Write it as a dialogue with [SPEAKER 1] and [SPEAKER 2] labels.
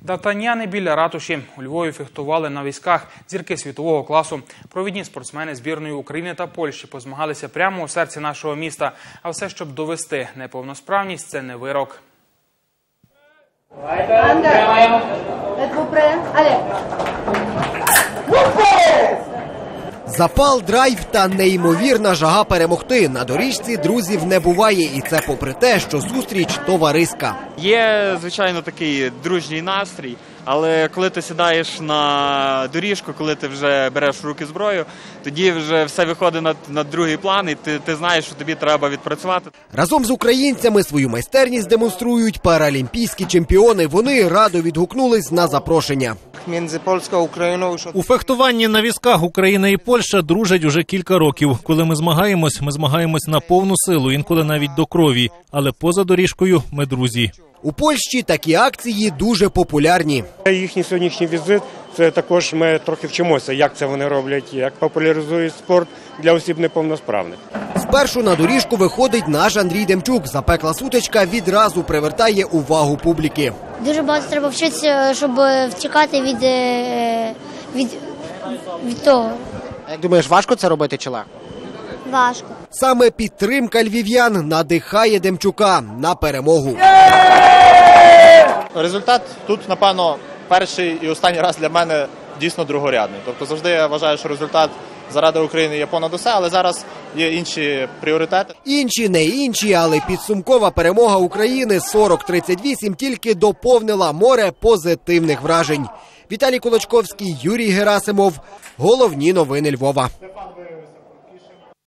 [SPEAKER 1] Дартаняни біля ратуші. У Львові фехтували на візках зірки світового класу. Провідні спортсмени збірної України та Польщі позмагалися прямо у серці нашого міста. А все, щоб довести – неповносправність – це не вирок.
[SPEAKER 2] Запал, драйв та неймовірна жага перемогти. На доріжці друзів не буває. І це попри те, що зустріч товариська.
[SPEAKER 3] Є, звичайно, такий дружній настрій, але коли ти сідаєш на доріжку, коли ти вже береш в руки зброю, тоді вже все виходить на другий план, і ти знаєш, що тобі треба відпрацювати.
[SPEAKER 2] Разом з українцями свою майстерність демонструють паралімпійські чемпіони. Вони радо відгукнулись на запрошення.
[SPEAKER 4] У фехтуванні на візках Україна і Польща дружать уже кілька років. Коли ми змагаємось на повну силу, інколи навіть до крові. Але поза доріжкою ми друзі.
[SPEAKER 2] У Польщі такі акції дуже популярні.
[SPEAKER 5] Їхній сьогоднішній візит – це також ми трохи вчимося, як це вони роблять, як популяризують спорт для осіб неповносправних.
[SPEAKER 2] Спершу на доріжку виходить наш Андрій Демчук. Запекла сутичка відразу привертає увагу публіки.
[SPEAKER 6] Дуже багато треба вчитися, щоб втікати від того.
[SPEAKER 2] Як думаєш, важко це робити чи легко?
[SPEAKER 6] Важко.
[SPEAKER 2] Саме підтримка львів'ян надихає Демчука на перемогу.
[SPEAKER 7] Результат тут, напевно, перший і останній раз для мене дійсно другорядний. Тобто завжди я вважаю, що результат заради України є понад усе, але зараз є інші пріоритети.
[SPEAKER 2] Інші не інші, але підсумкова перемога України 40-38 тільки доповнила море позитивних вражень. Віталій Кулачковський, Юрій Герасимов. Головні новини Львова.